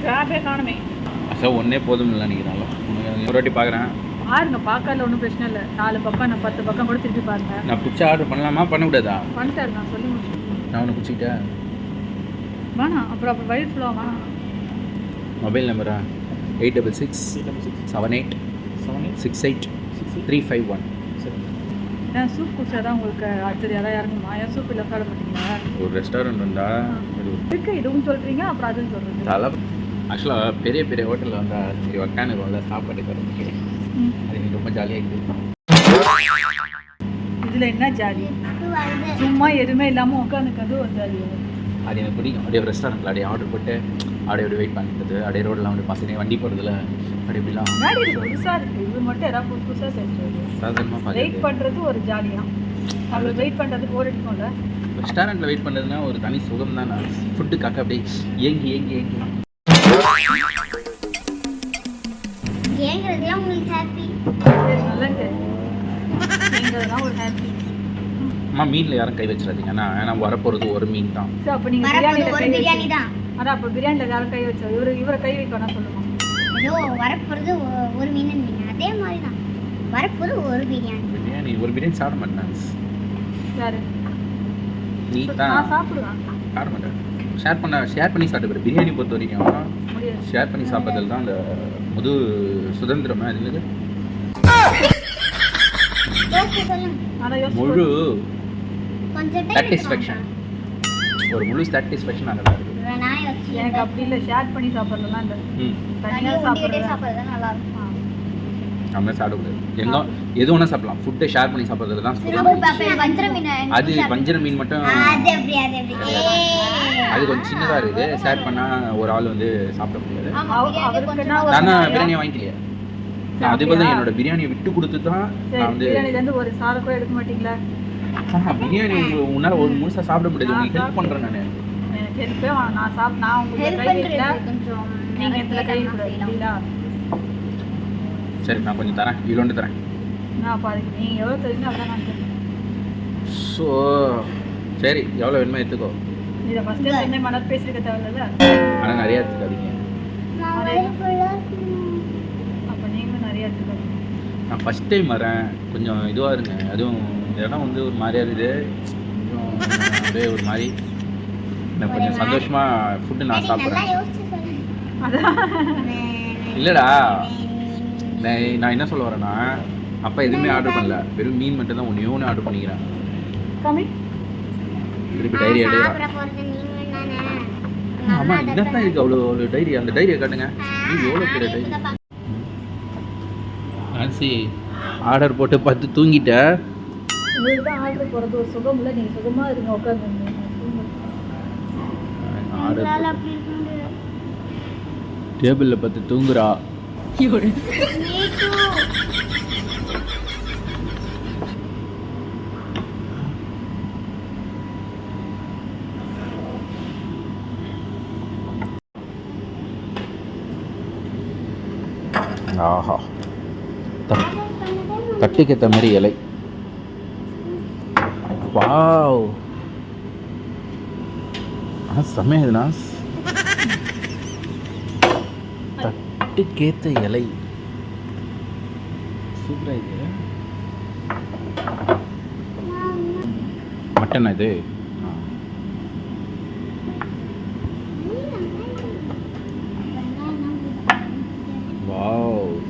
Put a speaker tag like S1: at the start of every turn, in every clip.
S1: கிராபே காணுமே.
S2: சார் ஒன்றே போதும் இல்லை நினைக்கிறாங்களோ. ஒரு வாட்டி பார்க்குறேன்.
S1: பாருங்க, பார்க்கல ஒன்றும் பிரச்சனை இல்லை. 4 பக்கம் நான் 10 பக்கம் கூட திருப்பி பாருங்க.
S2: நான் பிடிச்சா ஆர்டர் பண்ணலாமா பண்ணக்கூடாதா?
S1: பண்ணிட்டாரு, நான் சொல்லி முடிச்சேன்.
S2: நான் ஒன்று பிடிச்சிக்கிட்டேன்.
S1: வேணாம், அப்புறம் வயிறு ஃபுல்லாக வேணாம்.
S2: மொபைல் நம்பரா 866678683551.
S1: ஏன் சூப் குடிச்சா தான் உங்களுக்கு அடுத்தது யாராவது இறங்குமா? ஏன் சூப் இல்லை சாப்பிட மாட்டீங்களா?
S2: ஒரு ரெஸ்டாரண்ட் வந்தால்
S1: இருக்கு, இதுவும் சொல்கிறீங்க அப்புறம் அதுவும் சொல்கிறீங்க.
S2: அதெல்லாம் ஆக்சுவலாக பெரிய பெரிய ஹோட்டலில் வந்தால் சரி உட்காந்துருவோம்ல சாப்பாடு தரத்துக்கு, அது எனக்கு ரொம்ப ஜாலியாக இருக்குது.
S1: இதில் என்ன ஜாலி? சும்மா எதுவுமே இல்லாமல் உட்காந்துக்கிறது ஒரு ஜாலி.
S2: அது எனக்கு பிடிக்கும். அப்படியே ரெஸ்டாரண்ட்டில் அப்படியே ஆர்டர் போட்டு அப்படியே வெயிட் பண்ணிட்டு அப்படியே ரோடெலாம் வந்து பசங்க வண்டி போகிறதுல அப்படி இப்படிலாம்
S1: புதுசாக இருக்குது. இது மட்டும் ஏதாவது புதுசாக செஞ்சு
S2: சாதாரணமாக
S1: வெயிட் பண்ணுறது ஒரு ஜாலியாக. அவங்க வெயிட் பண்ணுறதுக்கு ஓர் அடிக்கும்ல.
S2: ரெஸ்டாரண்ட்டில் வெயிட் பண்ணுறதுனா ஒரு தனி சுகம் தான். நான் ஃபுட்டுக்காக அப்படியே ஏங்கி ஏங்கி ஏங்கி
S3: ஏங்குறதுலாம் உங்களுக்கு ஹாப்பி.
S1: நல்லா ஏங்குறதுலாம் ஒரு ஹாப்பி.
S2: அம்மா மீனில் யாரும் கை வச்சிடாதீங்க. ஏன்னா வரப்போகிறது ஒரு மீன் தான்.
S1: ஸோ அப்போ நீங்கள் பிரியாணி தான். அதான் அப்போ பிரியாணியில் யாரும் கை வச்சா இவரை கை வைக்கணும் சொல்லுவோம்.
S3: ஏதோ வரப்போகிறது ஒரு மீன், அதே மாதிரி தான் வரப்போகிறது ஒரு பிரியாணி.
S2: ஒரு பிரியாணி சாப்பிட மாட்டேன்.
S1: யாரு?
S2: நீ தான்.
S1: நான் சாப்பிடுவேன்.
S2: சாப்பிட மாட்டேன். ஷேர் பண்ணி சாப்பிட்டு பிரியாணி பொறுத்த வரைக்கும் ஷேர் பண்ணி சாப்பிட்றதுல தான் அந்த முது சுதந்திரமா இருந்தது. முழு சாட்டிஸ்ஃபேக்ஷன், ஒரு முழு சாட்டிஸ்ஃபேக்ஷன் அங்கே இருக்குது.
S1: எனக்கு அப்படி இல்லை, ஷேர் பண்ணி சாப்பிட்றதுலாம் இல்லை. தனியாக சாப்பிட்றது நல்லா இருக்கும்.
S2: நம்ம சாப்பிடக்கூடாது. எங்கே எது ஒன்றா சாப்பிடலாம். ஃபுட்டை ஷேர் பண்ணி சாப்பிட்றது தான். அது வஞ்சர மீன் மட்டும் அது கொஞ்சம் சின்னதாக இருக்குது. ஷேர் பண்ணால் ஒரு ஆள் வந்து சாப்பிட முடியாது. நான் பிரியாணியை வாங்கிக்கலையே. அதே போல் தான் என்னோட பிரியாணியை விட்டு கொடுத்து தான் நான் வந்து
S1: பிரியாணிலேருந்து ஒரு சாரை கூட எடுக்க மாட்டீங்களா?
S2: பிரியாணி உன்னால் ஒரு முழுசாக சாப்பிட முடியாது. உங்களுக்கு ஹெல்ப் பண்ணுறேன் நான்.
S1: எனக்கு ஹெல்ப்பே வேணாம். நான் உங்களுக்கு கை வைக்கல, நீங்கள் இதில் கை விடுறீங்களா?
S2: சரி, நான் கொஞ்சம் தரேன். இவ்வளோண்டு தரேன்.
S1: நான் பாருங்க, நீங்கள் எவ்வளோ தெரியுங்க அதான் நான் தரேன்.
S2: ஸோ சரி, எவ்வளோ வேணுமோ எடுத்துக்கோ.
S1: இதை ஃபஸ்ட்டே சொன்ன மனது பேசிருக்க தேவையில்ல.
S2: ஆனால் நிறையா எடுத்துக்காதீங்க.
S1: அப்போ நீங்களும் நிறையா எடுத்துக்கோங்க.
S2: நான் ஃபஸ்ட் டைம் வரேன், கொஞ்சம் இதுவாக இருங்க. அதுவும் இந்த இடம் வந்து ஒரு மாதிரியா இருக்குது. கொஞ்சம் அப்படியே ஒரு மாதிரி எனக்கு கொஞ்சம் சந்தோஷமாக ஃபுட்டு நான் சாப்பிட்றேன். இல்லைடா, நான் என்ன சொல்ல வரேன்னா, அப்பா எதுவுமே ஆர்டர் பண்ணல, வெறும் மீன் மட்டும் தான் ஒன்று ஆர்டர் பண்ணிக்கிறேன். திருப்பி டைரி எடுக்கிறேன். ஆமாம், இதான் இருக்குது அவ்வளோ ஒரு டைரி. அந்த டைரியை காட்டுங்க. எவ்வளோ பெரிய டைரி. நான்சி ஆர்டர் போட்டு பார்த்து தூங்கிட்ட.
S1: உங்களுக்கு தான் ஆர்டர் போகிறது ஒரு சுகம் இல்லை. நீங்கள் சுகமாக இருங்க, உட்காந்து
S2: டேபிளில் பார்த்து தூங்குறா. ஆஹா, தட்டுக்கேற்ற மாதிரி இலை. வாவ், செம்மையாதுண்ணா. தட்டுக்கேற்ற இலை சூப்பராக இது. மட்டனா இது? வாவ்,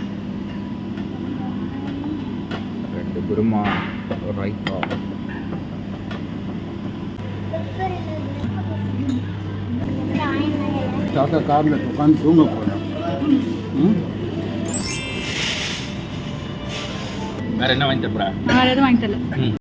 S2: 2 குருமா, ரைத்தா. தாத்தா காரில் உட்காந்து தூங்க போகிறேன். வேறு என்ன வாங்கி தரப்பா?
S1: வேறு எதுவும் வாங்கி தரல.